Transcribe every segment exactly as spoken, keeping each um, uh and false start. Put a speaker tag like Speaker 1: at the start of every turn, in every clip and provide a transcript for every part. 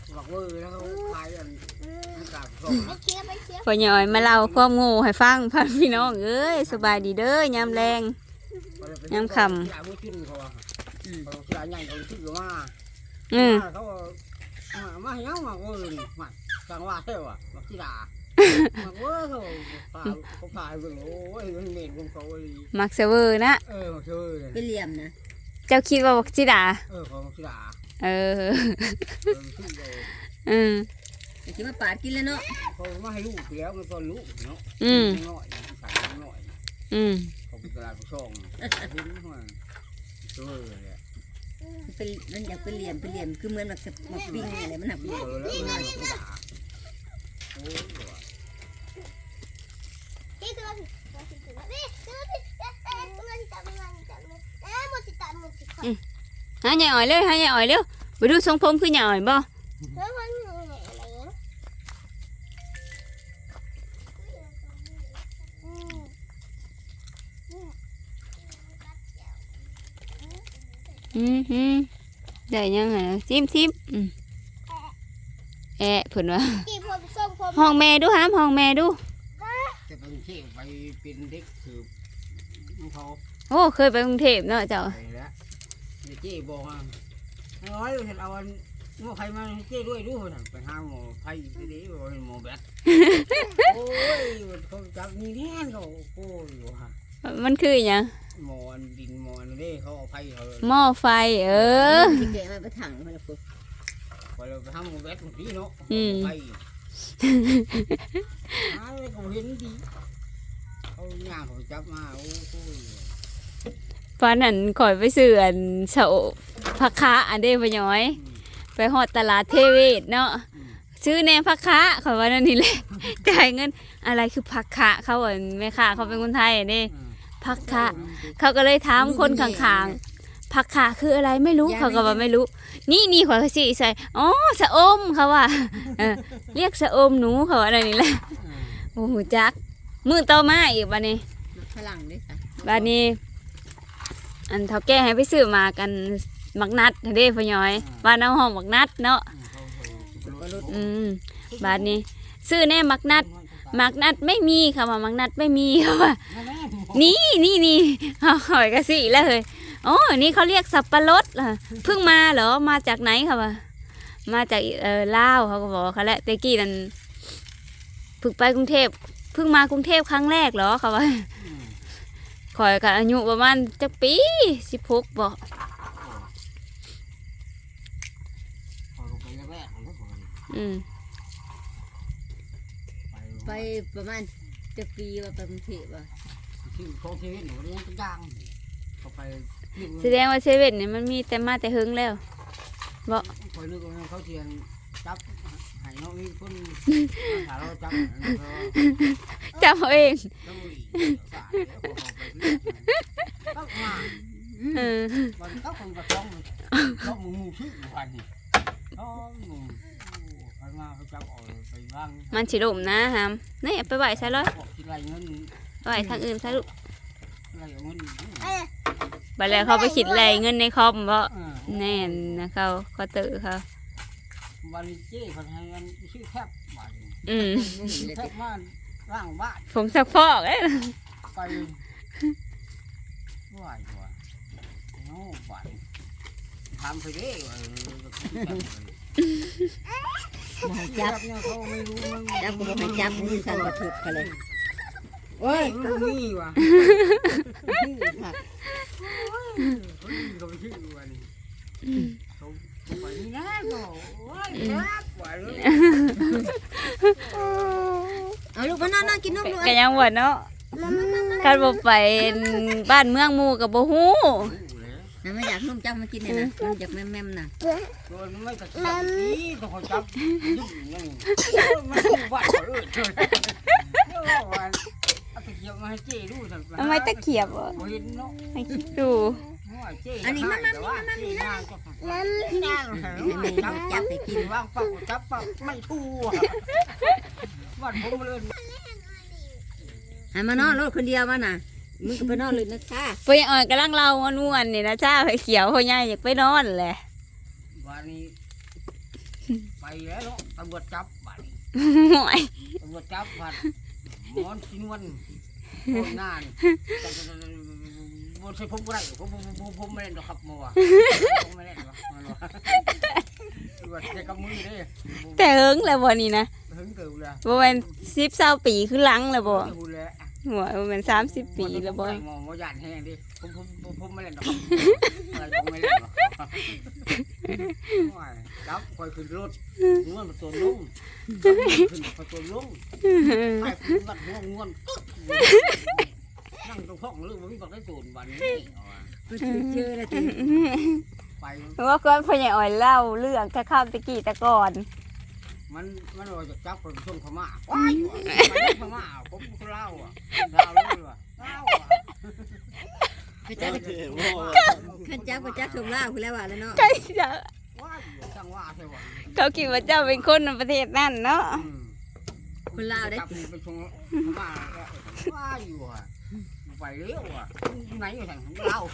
Speaker 1: บอกว่าแล้วเขาขายอันนั้นกาบส่ง
Speaker 2: พ่อใหญ่มาเล่าความโง่ให้ฟังพ่อพี่น้องเอ้ยสบายดีเด้อยามแรงยามค่ำ
Speaker 1: ยาไม่ขึ้นเขาอ่ะเขาเสียใหญ่เขาชื่อว่า
Speaker 2: อืม
Speaker 1: เขามาเหี้ยวมาโอ้ยมาสังว่าเท่าอ่ะมาที่ด่ามาโอ้ยเขาพาเขาพาไปโอ้ยมันเหม็นของเขาเลย
Speaker 2: มักเซเวอร์นะ
Speaker 1: เออมาเชื่อเลย
Speaker 3: เป็นเหลี่ยมนะ
Speaker 2: เจ้าคิดว่าบักจิดา
Speaker 1: เออเขาที่ด่า
Speaker 2: เออ
Speaker 1: เออชื่อเลย
Speaker 2: อืม
Speaker 3: แต่คิดว่าปาดกินแล้วเนาะ
Speaker 1: เขามาให้ลูกแล้วมันก็ลูกเนาะ
Speaker 2: อืม
Speaker 1: น้อยใส่น้อย
Speaker 2: อืม
Speaker 1: เขาเป็นตลาดผู้ช่องทิ้งหัวเชื่อเลย
Speaker 3: เป็นมันอยากเป็นเหลี่ยมเป็นเหลี่ยมคือเหมือนแบบมาปิ้งอะไรมันหัก
Speaker 1: เออแล้วน้อยเขาด่าโอ้ย
Speaker 2: หาใหญ่อ่อยเลยหาใหญ่อ่อยเร็วไปดูทรงผมคือใหญ่อ่อยบ่อืมฮึได้ยังไงทิมทิมอืมแอะเพิ่นว่าห้องแม่ดูหามห้องแม่ดู
Speaker 1: จะเป็นเชี่ยวไปเป็นเด็กสืบเขา
Speaker 2: โอ้เคยไปกรุงเทพเนาะเจ้า
Speaker 1: ไปแล้วเจ๊บอกว่าน้อยเห็นเอาอันหม้อไข่มาเจ๊ด้วยดูนะไปหาหม้อไข่ไปดิบอกหม้อแบตโอ้ยเขาจับนี่แน่เขาโอ้ยว่ะ
Speaker 2: มันคือหยัง
Speaker 1: หม้อดินหม้อนี่เขาเอาไข่เขา
Speaker 2: หม้อไฟเออ
Speaker 3: ที่แกะมาไปถังมาแล้วปุ๊บ
Speaker 1: ไปเราไปหาหม้อแบตคนนี้เนาะไข่หาเขาเห็นดีเขาย่างเขาจับมาโอ้ย
Speaker 2: ฟ้านั่นข่อยไปซื้ออันเสาผักคะอันเด้พ่อย้อย ไปฮอดตลาดเทเวศเนาะซื้อแหนผักคะข่อยว่านั่นนี่แหละ จ่ายเงินอะไรคือผักคะเขาอ่ะแม่ค้าเขาเป็นคนไทยเด้ผักคะเขาก็เลยถามคนข้างๆผักคะคืออะไรไม่รู้เขาก็ว่าไม่รู้ นี่นี่ข่อยก็สิใส่อ๋อสะอมเขาว่าเออเรียกสะอมหนูเขาว่านั่นนี่แหละโอ้โหจักมื้อต่อมาอีกบัดนี้
Speaker 3: ฝรั่งด้วยค่ะ
Speaker 2: บัดนี้ อันเฒ่าแก่ให้ไปซื้อมากันมักนัดเด้พ่อย้อยบ้านเอาห้องมักนัดเนาะอืมบ้านนี้ ซื้อแน่มักนัดมักนัดไม่มีค่ะว่ามักนัดไม่มีค่ะว่านี่นี่นี่เอาหอยกระสีแล้วเลยอ๋อนี่เขาเรียกสับปะรดล่ะเพิ่งมาเหรอมาจากไหนค่ะว่ามาจากเออลาวเขาก็บอกเขาแหละเตกี้นั่นเพิ่งไปกรุงเทพเพิ่งมากรุงเทพครั้งแรกเหรอค่ะว่าข่อยกับอายุประมาณจักปีสิบหกบอกอืม
Speaker 3: ไปประมาณจะปีว่าไปกรุงเทพว่ะ
Speaker 1: ที่เขาเทหนูเลี้ยงดังเขาไป
Speaker 2: แสดงว่าเซเว่นเนี่ยมันมีแต่มาแต่หึงแล้วบอก
Speaker 1: คอยนึกว่าเขาเทียนจับหายน้องนี่คนหาเราจับ
Speaker 2: จำเอาเอง
Speaker 1: แล้วมือต้องมา
Speaker 2: เออ
Speaker 1: วันเขาคงกระต้องต้องมือมือชื่อวันนี้เขามือไปมาเขาจับออกไปบ้าง
Speaker 2: มันฉิลมนะฮะนี่ไปไหวใช่เลย
Speaker 1: ที่ไรเงิน
Speaker 2: ไหวทางอื่นใช่ลูก
Speaker 1: ไรเงิน
Speaker 2: ไปแล้วเขาไปคิดไรเงินในคอมเพราะแน่นนะเขาเขาตื่นเขา
Speaker 1: วันนี้เจ๊คนให้เงินชื่อแทบวัน
Speaker 2: อืม
Speaker 1: แทบมาร่างบ้าน
Speaker 2: ผมสักฟอกเอ้ย
Speaker 1: ไปไหวกว่าโน้บ้านทำไปเด้อ
Speaker 3: มาให้จับ
Speaker 1: เนี่ยเขาไม่รู้มัน
Speaker 3: จับก็บอกให้จับมือสั่นกระถุกเขาเลย
Speaker 1: โอ้ยมันมีว่ะ
Speaker 3: ชื่อผัก
Speaker 1: เขาไปชื่อวันนี้เขาไปนี่นะก็โอ้ยครับไหวเลย
Speaker 3: เอาลูกมานอนนอนกินนมลูก
Speaker 2: ก็ยังหวดเนาะการบ่ไปบ้านเมืองหมู่กับบ่ฮู้
Speaker 3: นะไม่อยากนมจับมากินเนี่ยนะมันอยากแม่มๆนะ
Speaker 1: ตัวมันไม่กระชับนี่ต้องเขาจับยุ่งยังมันบ้าเลยเจ้าวันเอาตะเกียบมาให้เจ๊ดูสั่ง
Speaker 2: ทำไมตะเขียบอ่ะ
Speaker 1: เห็นเนาะ
Speaker 2: ให้คิดดู
Speaker 1: อันนี้มันมันมันมันนี่นะมันนั่ง
Speaker 3: ให้แม่จับไปกิน
Speaker 1: ว่างปักจับปักไม่ทั่ววันผมเลย
Speaker 3: ให้มานอนรถคนเดียวมาน่ะมึงก็ไปนอนเลยนะค่ะ
Speaker 2: ไปอ่อยกำลังเล่าม่วนๆนี่นะจ้าไปเขียวพ่อใหญ่อยากไปนอนแหละ
Speaker 1: วันนี้ไปแล้วเนาะตำรวจจับบัดนี้
Speaker 2: ห่วย
Speaker 1: ตำรวจจับบัดหมอนชินวันโคตรนานบนใส่ผมก็ได้ผมผมผมผมไม่เล่นหรอกครับมัวผมไม่เล่นหรอกมันว่าตำรวจใช้กำมือเด้
Speaker 2: แต่เฮิงแล้วบ่นี่นะ
Speaker 1: ถึงเกิดเลย
Speaker 2: บ่แม่นสิบ เก้าปีคือหลังแล้วบ่
Speaker 1: พูดเลย
Speaker 2: หัวบ่แม่นสามสิบปีแล้วบ่
Speaker 1: มองมอยานแห้งดิผมผมผมผมไม่เล่นหรอกอะไรผมไม่เล่นหรอกจับคอยขึ้นรถง่วนประตูลุ่มขึ้นประตูลุ่มไปขึ้นวัดง่วงง่วนนั่งตรงห้องเรื่องมันมีบักได้ตูนวันนี้
Speaker 3: ก็ชื่อเชื่อแล้วที
Speaker 1: ไป
Speaker 2: ว่าก่อนพ่อใหญ่อ้อยเล่าเรื่องแต่ข้าวตะกี้แต่ก่อน
Speaker 1: มันมันว่าจะจับคนช่วงพม่าว้ายพม่าผมก็เล่าอ่ะเล่าเลยว่ะเล่าอ่ะ
Speaker 3: เขาจับเขาจับเขาจับชมล่าคุณแล้วว่าแล้วเนาะ
Speaker 2: ใช่จ้ะ
Speaker 1: ว้ายช่างว่าใช่ป่ะ
Speaker 2: เขาคิดว่าเจ้าเป็นคนในประเทศนั่นเนาะ
Speaker 3: คนลาวได้
Speaker 1: จับไปช่วงพม่าว้ายอยู่อ่ะไปเร็วอ่ะไหนอยู่ทางเล่า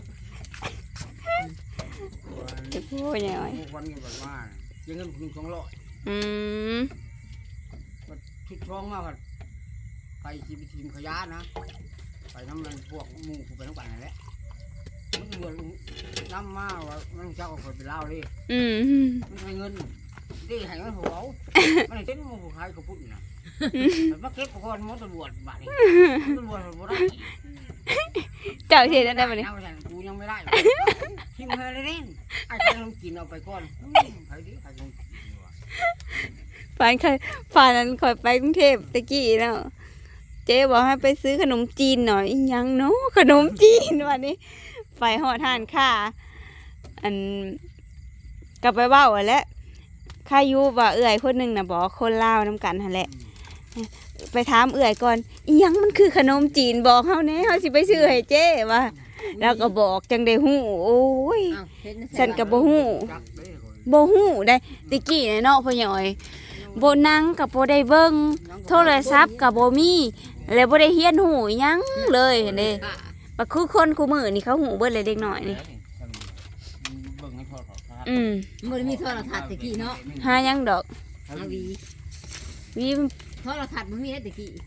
Speaker 2: พ่อใหญ่อ้อย
Speaker 1: วันเงินแบบว่ายังเงินคุณสองร้อย
Speaker 2: อืม
Speaker 1: ชุดท้องมากไปทีมทีมขยะนะไปน้ำมันพวกมูไปน้ำปั่นนั่นแหละมันเงินน้ำมาว่ามันเจ้าก็ไปเล่าเลย
Speaker 2: อืม
Speaker 1: มันให้เงินดีให้มันหัวมันเต้นมันหัวใครก็พูดนะแต่มาเก็บก่อนมันตำรวจบ้านนี้ตำรวจตำรวจได้
Speaker 2: เจ้าเห็นได้บ่นี่
Speaker 1: กูยังไม่ได้ทิมเฮเลยเล่นไอ้ใครลองกินเอาไปก่อนใครดิใครลองกิน
Speaker 2: ฟานเคยฟานนั้นคอยไปกรุงเทพตะกี้เนาะเจ๊บอกให้ไปซื้อขนมจีนหน่อยอิหยังเนาะขนมจีนวันนี้ไปหอดทานค่าอันกลับไปเบ้าแล้วข้ายุว่าเอื่อยคนหนึ่งน่ะบอกคนลาวน้ำกันหั่นแหละไปถามเอื่อยก่อนอิหยังมันคือขนมจีนบอกเฮาแหน่เฮาสิไปซื้อให้เจ๊ว่าแล้วก็บอกจังได้ฮู้โอ้ยฉันก็บ่ฮู้บ่ฮู้ได้ตะกี้เนาะพ่อใหญ่อ้อยบ่นั่งก็บ่ได้เบิ่งโทรศัพท์ก็บ่มีแล้วบ่ได้เรียนฮู้อิหยังเลยเด้บ่คือคนคู่มื้อนี่เขาฮู้เบิดเลยเด็กน้อยนี่อืม
Speaker 3: มันมีโทรทัศน์ตะกี้เนาะ
Speaker 2: หาหยังดอก
Speaker 3: อาวี
Speaker 2: วี
Speaker 3: โทรทัศน์มันมีได้ตะกี้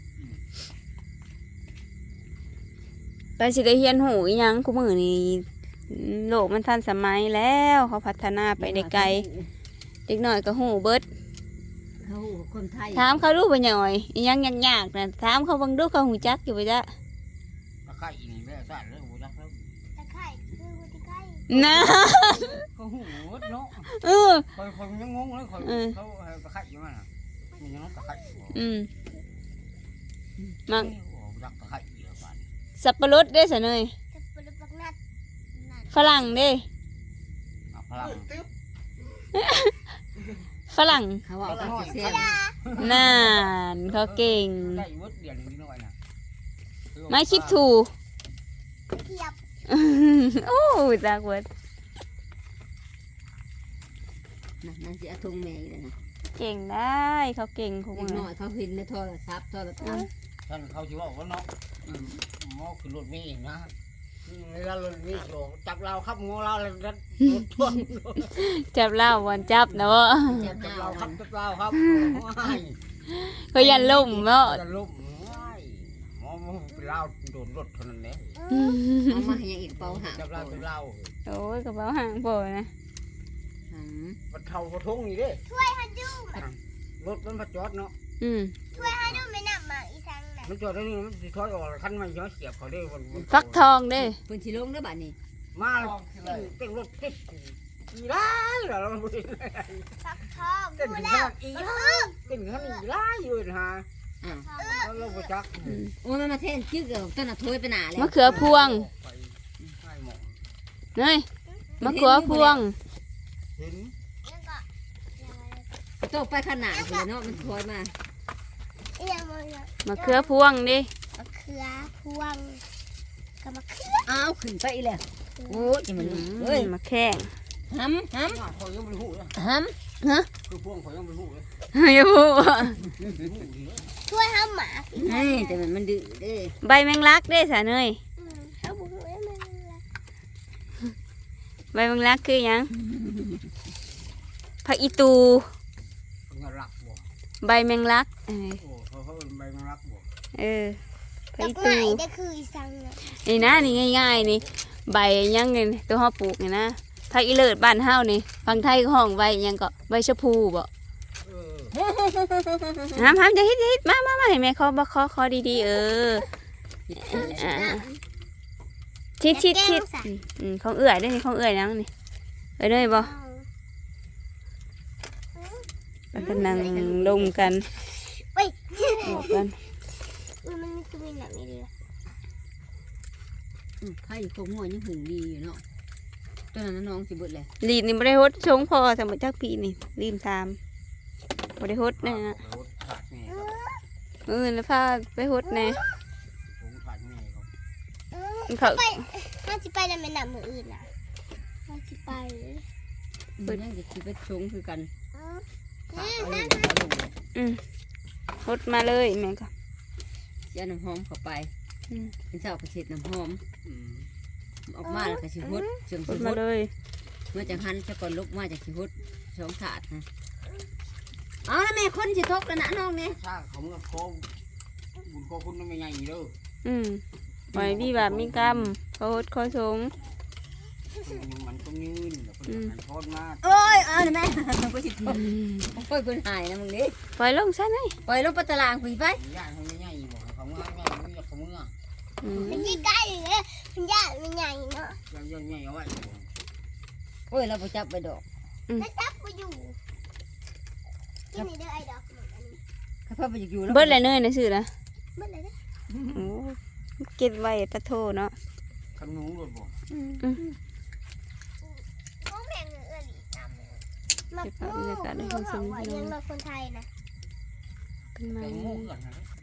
Speaker 2: ไปสิได้เรียนฮู้อิหยังคู่มื้อนี่โลกมันทันสมัยแล้วเขาพัฒนาไปได้ไกลเด็กน้อยก็ฮู้เบิด
Speaker 3: เขาคนไทย
Speaker 2: ถามเขาดูไปหน่อยอิหยังยากๆนะถามเขาเบังดูเขาหูจักอยู่ไปจ้ะ
Speaker 1: ตะไคร้นี่แม่สั่นเลยหูยักษ์แล้ว
Speaker 4: ตะไคร้คือหัวตะไคร้
Speaker 2: นะ
Speaker 1: เขาหูเนาะ
Speaker 2: เออ
Speaker 1: คอยคอยยังงงเลยคอยเขาตะไคร้อยู่มั้งมันยังตะไคร้
Speaker 2: อืมมัก
Speaker 1: ยักษ์ตะไคร้เยอะไป
Speaker 2: สับปะรดได้สะเนย
Speaker 4: จะปลุกปักนัดนั่น
Speaker 2: ฝรั่งเด้
Speaker 1: พลัง
Speaker 2: ฝรั่ง
Speaker 3: เขาว่าเขาเสีย
Speaker 2: นานเขาเก่ง
Speaker 1: ได้วดเดียนนิดหน่อยนะ
Speaker 2: ไม่คลิปถู
Speaker 4: เทียบ
Speaker 2: โอ้จากเวิร์ด
Speaker 3: นั่นจะทุ่งแม่เลยนะ
Speaker 2: เก่งได้เขาเก่งของ
Speaker 3: เด็ก
Speaker 2: มึง
Speaker 3: น้อยเขาเห็นในโทรศัพท์โทรทัศน์
Speaker 1: ท่านเขาชิว่าว่าเนาะหมอคือรถมีเองนะเวลารถมีโฉจับเราครับงอเราเลยรถท่วง
Speaker 2: จับเล่าวันจับนะวะ
Speaker 3: จับ
Speaker 1: จับ
Speaker 3: เรา
Speaker 1: เราครับจับเราครับ
Speaker 2: เขายันล่มเนาะ
Speaker 1: จะลุ่มหมอมันเป็นเราโดนรถเท่านั้นเอง
Speaker 3: เอามาให้ยังอีกเป่าหาง
Speaker 1: จับเราจับเรา
Speaker 2: โอ้ยกระเป๋าห่างโผล่นะ
Speaker 1: มันเท่ากระทงนี่เด้
Speaker 4: ช่วยฮันดู
Speaker 1: รถมันมาจอดเนาะ
Speaker 2: อืม
Speaker 4: ช่วยฮันดูไม่นำมาอีสังน่ะ
Speaker 1: มันจอดได้นี่มันสิถอยออกคันไม่ย้อนเสียบเขาได้วัน
Speaker 2: ฟักทองเด้
Speaker 3: เพิ่นสิลงเด้อบัดนี้
Speaker 1: มาเต้นรถติดอีไล่เหรอเราไม่ได้
Speaker 4: ฟักทอง
Speaker 1: เต้น
Speaker 4: ดู
Speaker 1: ถึง
Speaker 4: แล้
Speaker 1: ข
Speaker 4: ว
Speaker 1: นาดอีไล่เต้นถึงขนาดอีไล่อยู่นะฮะ
Speaker 3: อ่า
Speaker 1: เราเราไปจัก
Speaker 3: โอ้ยมันมาเท่นจึ๊กเอาต้นน่ะโถยไปหน้าแล้ว
Speaker 2: มะเขือพวง
Speaker 1: ให้หมอ
Speaker 2: เนยมะเขือพวง
Speaker 1: เห็น
Speaker 4: แล้วก็ยังไง
Speaker 3: โตไปขนาดเลยเนาะมันโถยมา
Speaker 4: ยังไง
Speaker 2: มะเขือพวงดิ
Speaker 4: มะเขือพวงกับมะเขือ
Speaker 3: อ้าวขึ้นไปอีกแล้วโอ้ยจะมัน
Speaker 2: อื
Speaker 3: เฮ้ย
Speaker 2: มมะแข้ง
Speaker 3: หำห
Speaker 1: เขายังไม่รู้เลย
Speaker 3: ำห
Speaker 1: คือพวงเขายังไม่รู้เลย
Speaker 2: อย่าพูด
Speaker 4: ช่วยห้ามหมา
Speaker 3: ำเฮ้ยแต่มันมันดื้อเด้อ
Speaker 2: ใบแมงลักได้สะเนย
Speaker 4: อืมเขาบอกว่ามันอะไร
Speaker 2: ใบแมงลักคือหยังไผผักอีตู
Speaker 1: เพิ่นรักบ่
Speaker 2: ใบแมงลักเออ
Speaker 1: โอ้เขาเขาเป็นใบมันรักบ่
Speaker 2: เออผัก
Speaker 4: ดอก
Speaker 2: อี
Speaker 4: ไม้
Speaker 2: ตู
Speaker 4: ได้คืออีสังน่ะ
Speaker 2: นี่นะนี่ง่ายๆนี่ใบยังไงตัวเฮาปลูกนี่นะผักอีเลิศบ้านเฮานี่ฝั่งไทยก็ห้องใบหยังก็ใบชะพูบ่
Speaker 1: เออ
Speaker 2: ห้ามห้ามจะฮิตฮิตมามามาเห็นไหมเขาบ่คอคอดีๆเอออ่าชิดชิดชิดอืมอืมของเอื่อยได้นี่ของเอื่อยนังนี่เอ้ยได้บ่มันกำลังลงกัน
Speaker 4: เว้ย
Speaker 2: บอกกัน
Speaker 4: อุ้ยมันมีคือมีหนักมีเรือ
Speaker 3: อืมไผ่คงหัวยังหึงดีอยู่เนาะตอนนั้นน้องสิเบิดเลย
Speaker 2: ลีดนี่บ่ได้ฮดชงพอสมมุติจักปีนี่รีมตามบ่ได้ฮดแน่นะ
Speaker 1: รถขาดแม่ครับ
Speaker 2: มื้ออื่นแล้วพาไปฮดแน่
Speaker 1: ผมขาดแม่ครับ
Speaker 4: เออ
Speaker 2: เขา
Speaker 4: ไปน่าจะไปแล้วแม่น้ำมืออื่นน่ะน่าจะไป
Speaker 3: เบิดยังจะสิไปชงคือกัน
Speaker 4: เออ
Speaker 1: ขาดเอาลงเอาลง
Speaker 2: อืมฮดมาเลยแม่ก็
Speaker 3: สิเอาน้ำหอมเข้าไป
Speaker 2: อืม
Speaker 3: เป็นเจ้าก็เช็ดน้ำหอม
Speaker 1: อืม
Speaker 3: ออกมาแล้วก็สิฮดเชิง
Speaker 2: ฮ
Speaker 3: สิ
Speaker 2: ด
Speaker 3: ฮ
Speaker 2: มา
Speaker 3: ด
Speaker 2: เลย
Speaker 3: เมื่อจังหันจะก่อนลุกมาจากสิฮดสองถาดนะเอาแล้วแม่คนสิทกแล้วนะน้องเนี่ย
Speaker 1: ถ้าเขาเมื่อเขาบุญเขาคุณไม่ใหญ่เด้อ
Speaker 2: อืมปล่อยมีบาปมีกรรมเขาฮดเขาสง
Speaker 1: มันต้องยืนแล้วคนมันทอดมาก
Speaker 3: โอ้ยเอาเลยแม่ก็สิทกโอ้ยคนหายนะมึงนี่
Speaker 2: ปล่อยลงซะหน่อย
Speaker 3: ปล่อยลงไปตารางคุยไป
Speaker 1: ย่างเขาไม่ใหญ่บ่เขาเมื่อใหญ่ไม่อยากเขาเมื่อ
Speaker 2: อืม
Speaker 4: มันยิ่งใกล้เลยมันยากมันใหญ่เนาะ
Speaker 1: ย่างย่างใหญ่เอาไว้
Speaker 3: โอ้ยเราไปจับไปดอก
Speaker 4: แล้วจับไปอยู่กินในเด้อไอ้ดอกหมดอันนี้
Speaker 3: ข้าพเจ้าไปอยู่แล้ว
Speaker 2: เบิดอะไรเนยนะชื่อนะ
Speaker 4: เบิดเลยเด้อ
Speaker 2: โอ้เก็บไว้ปะโทเนาะ
Speaker 1: ขนุนเลยบ่
Speaker 4: โอ้แม่งเออหลีตามเลยมักมูมูเขาบอกว่ายังมาคนไทยนะ
Speaker 2: เป็นไม้
Speaker 1: แตงโมกันนะ